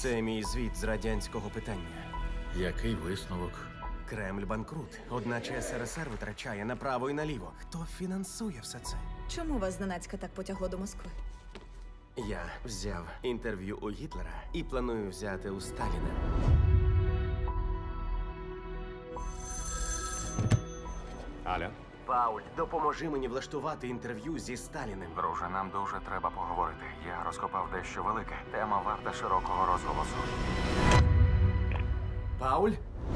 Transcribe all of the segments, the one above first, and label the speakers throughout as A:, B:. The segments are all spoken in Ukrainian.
A: Це мій звіт з радянського питання.
B: Який висновок?
A: Кремль банкрут. Одначе СРСР витрачає направо і наліво. Хто фінансує все це?
C: Чому вас зненацька так потягло до Москви?
A: Я взяв інтерв'ю у Гітлера і планую взяти у Сталіна.
D: Аля?
A: Пауль, допоможи мені влаштувати інтерв'ю зі Сталіним.
D: Друже, нам дуже треба поговорити. Я розкопав дещо велике. Тема варта широкого розголосу.
A: Пауль?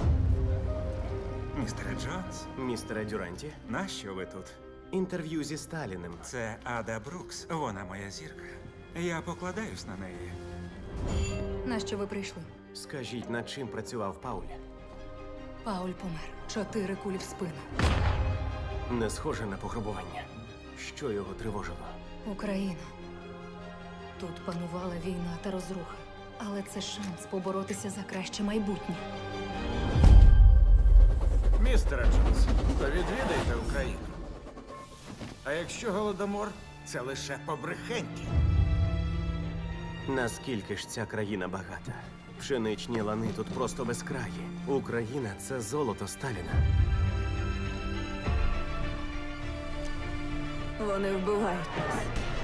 E: Містере Джонс,
A: Містере Дюранті?
E: нащо ви тут?
A: Інтерв'ю зі Сталіним.
E: Це Ада Брукс, вона моя зірка. Я покладаюсь на неї.
C: Нащо ви прийшли?
A: Скажіть, над чим працював Пауль?
C: Пауль помер. 4 кулі в спину.
A: Не схоже на пограбування. Що його тривожило?
C: Україна. Тут панувала війна та розруха. Але це шанс поборотися за краще майбутнє.
F: Містере Джонс, то відвідайте Україну. А якщо голодомор, це лише побрехеньки.
A: Наскільки ж ця країна багата? Пшеничні лани тут просто безкраї. Україна – це золото Сталіна.
C: Вони вбивають нас.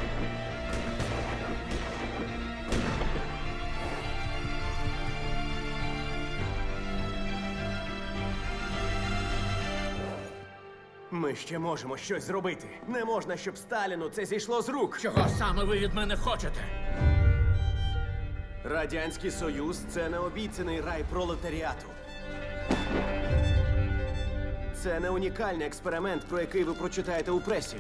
A: Ми ще можемо щось зробити. Не можна, щоб Сталіну це зійшло з рук.
B: Чого саме ви від мене хочете?
A: Радянський Союз – це необіцяний рай пролетаріату. Це не унікальний експеримент, про який ви прочитаєте у пресі.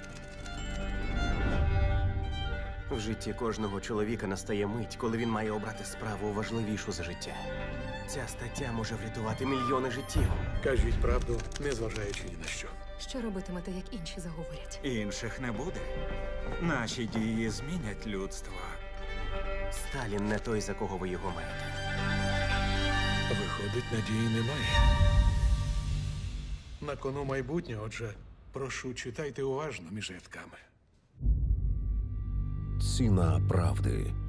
A: В житті кожного чоловіка настає мить, коли він має обрати справу важливішу за життя. Ця стаття може врятувати мільйони життів.
G: Кажіть правду, незважаючи ні на що.
C: Що робитимете, як інші заговорять?
E: Інших не буде. Наші дії змінять людство.
A: Сталін не той, за кого ви його маєте.
G: Виходить, надії немає. На кону майбутнє, отже, прошу, читайте уважно між рядками.
H: Ціна правди.